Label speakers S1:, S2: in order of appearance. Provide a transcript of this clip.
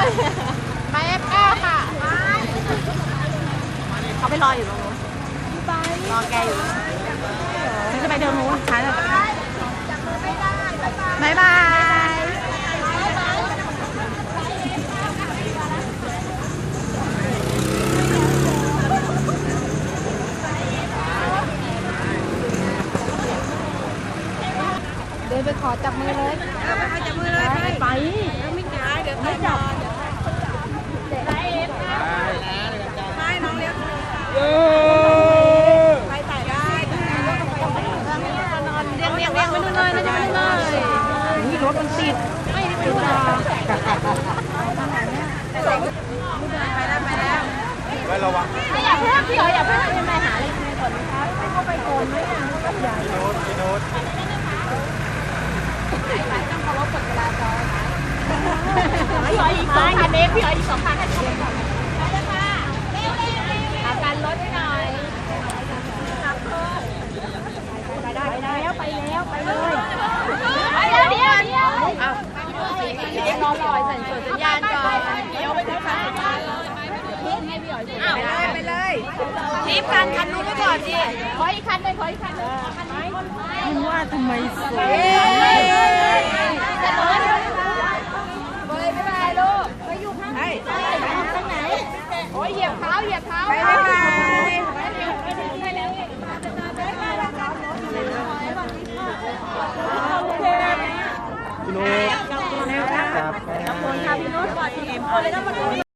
S1: ไปF9ค่ะเขาไปรออยู่ตรงนู้นรอแกอยู่ฉันจะไปเดินนู้นฉันบายบายเดินไปขอจับมือเลยไปจับมือเลยไปไม่ได้เดี๋ยวไม่จับไปน้องเลี้ยงไปถ่ายได้เรียงไปนู่นเลยน่าจะไปนู่นเลยนี่รถมันติดไม่ได้ไปนู่นไปแล้วไว้ระวังอย่าเพิ่งพี่อ๋ออย่าเพิ่งไปหาอะไรในก่อนนะคะให้เขาไปโกนไหมอ่ะก็ใหญ่พี่โน้ตต้องเคารพกฎจราจรพี่อ๋ออีก2,000เองพี่อ๋ออีก2,000ให้ช่วยก่อนไปเลยค่ะเอาการลดให้หน่อยไปแล้วไปเลยเดี๋ยวรอใส่สัญญาณก่อนเดี๋ยวไปเลยค่ะไปเลยรีบคันนู้นไปก่อนสิขออีกคันเลยคุณว่าทำไมสวยจะนอนเลยไม่ได้ลูกไปอยู่ข้างไหนโอ้ยเหยียบเท้าไปพี่โน้ตครับขอบคุณค่ะพี่โน้ตก่อนทีมเลยต้องมาดู